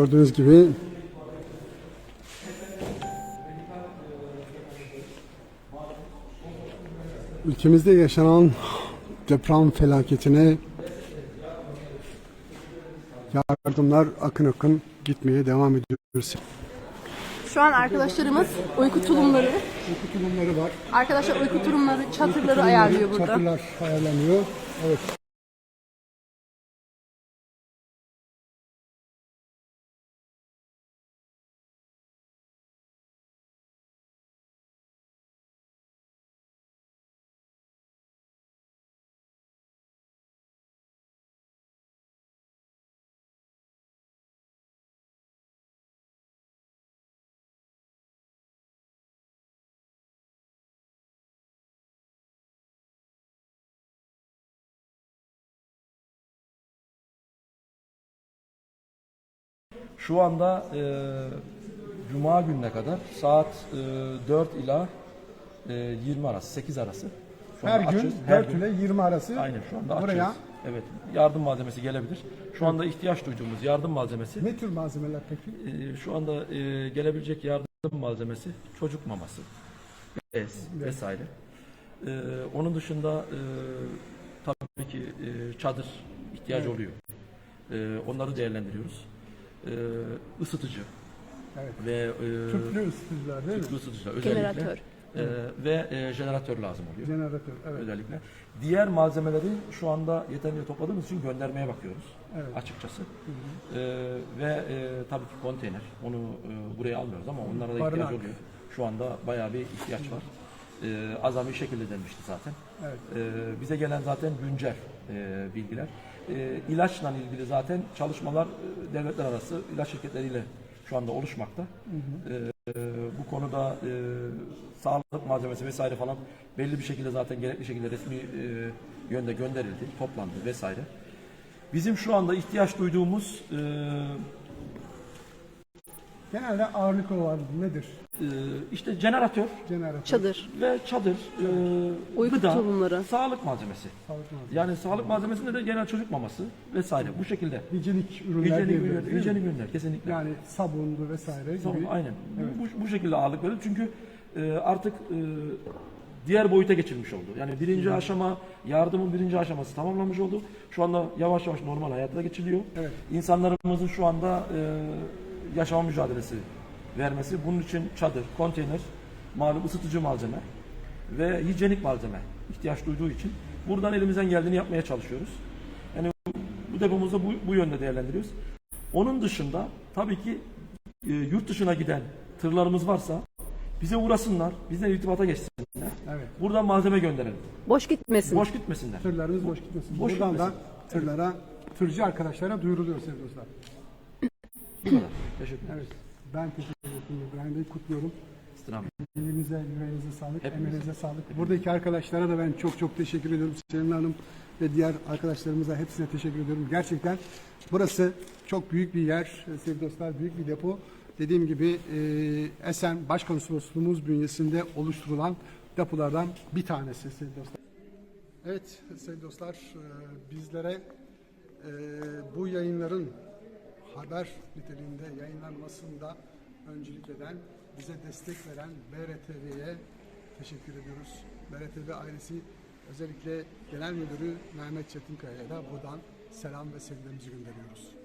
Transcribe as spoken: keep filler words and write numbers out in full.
gördüğünüz gibi ülkemizde yaşanan deprem felaketine yardımlar akın akın gitmeye devam ediyoruz. Şu an arkadaşlarımız uyku tulumları, Uyku tulumları var. arkadaşlar uyku tulumları, çadırları Tulumları, ayarlıyor burada. Çadırlar ayarlanıyor. Evet. Şu anda e, Cuma gününe kadar saat e, dört ila e, yirmi arası, sekiz arası. Şu Her anda gün açız. Her dört gün. ile yirmi arası. Aynen şu anda buraya açıyoruz. Evet, yardım malzemesi gelebilir. Şu anda ihtiyaç duyduğumuz yardım malzemesi, ne tür malzemeler peki? e, şu anda e, gelebilecek yardım malzemesi çocuk maması, bez vesaire. E, onun dışında e, tabii ki e, çadır ihtiyacı Evet. oluyor. E, onları değerlendiriyoruz. E, ısıtıcı Evet. ve e, Tüplü ısıtıcılar değil mi? tüplü ısıtıcılar özellikle Jeneratör. e, ve e, jeneratör lazım oluyor. Jeneratör. Evet. Özellikle. Diğer malzemeleri şu anda yeterince topladığımız için göndermeye bakıyoruz Evet. açıkçası. E, ve e, tabii ki konteyner. Onu e, buraya almıyoruz ama onlara da Barınak. ihtiyaç oluyor. Şu anda bayağı bir ihtiyaç var. E, azami şekilde denmişti zaten. Evet. E, bize gelen zaten güncel e, bilgiler. E, ilaçla ilgili zaten çalışmalar e, devletler arası ilaç şirketleriyle şu anda oluşmakta. Hı hı. E, bu konuda e, sağlık malzemesi vesaire falan belli bir şekilde zaten gerekli şekilde resmi e, yönde gönderildi, toplandı vesaire. Bizim şu anda ihtiyaç duyduğumuz e, Genelde ağırlık olan nedir? e, işte jeneratör Jeneratör. Çadır, ve çadır, e, uyku gıda, tulumları. sağlık malzemesi. Sağlık malzemesi. Yani sağlık malzemesinde de genel çocuk maması vesaire bu şekilde. Hijyenik ürünler Hijyenik diyebiliriz, ürünler, değil mi? hijyenik ürünler kesinlikle. Yani sabundu vesaire Tamam, gibi. aynen. Evet. Bu, bu şekilde ağırlık veriyoruz çünkü e, artık e, diğer boyuta geçilmiş oldu. Yani birinci Hı. aşama, yardımın birinci aşaması tamamlanmış oldu. Şu anda yavaş yavaş normal hayata geçiliyor. Evet. İnsanlarımızın şu anda e, yaşama mücadelesi vermesi, bunun için çadır, konteyner, malum ısıtıcı malzeme ve hijyenik malzeme ihtiyaç duyduğu için buradan elimizden geldiğini yapmaya çalışıyoruz. Yani bu depomuzda bu, bu yönde değerlendiriyoruz. Onun dışında tabii ki e, yurt dışına giden tırlarımız varsa bize uğrasınlar, bizden irtibata geçsinler. Evet. Buradan malzeme gönderelim. Boş gitmesin. Boş gitmesinler. Tırlarımız boş gitmesin. Boş Buradan gitmesin. da tırlara, tırcı arkadaşlara duyuruluyor sevgili dostlar. Bu kadar. Teşekkür ederim. Evet. Ben teşekkür ederim İbrahim Bey. Kutluyorum. İstirham. Elinize, yüreğinize sağlık, Hepinize. emeğinize sağlık. Buradaki arkadaşlara da ben çok çok teşekkür ediyorum. Selin Hanım ve diğer arkadaşlarımıza hepsine teşekkür ediyorum. Gerçekten burası çok büyük bir yer sevgili dostlar, büyük bir depo. Dediğim gibi e, Esen Başkonsolosluğumuz bünyesinde oluşturulan depolardan bir tanesi sevgili dostlar. Evet sevgili dostlar, e, bizlere e, bu yayınların haber niteliğinde yayınlanmasında öncülük eden, bize destek veren B R T V'ye teşekkür ediyoruz. B R T V ailesi, özellikle Genel Müdürü Mehmet Çetinkaya'ya da buradan selam ve sevgilerimizi gönderiyoruz.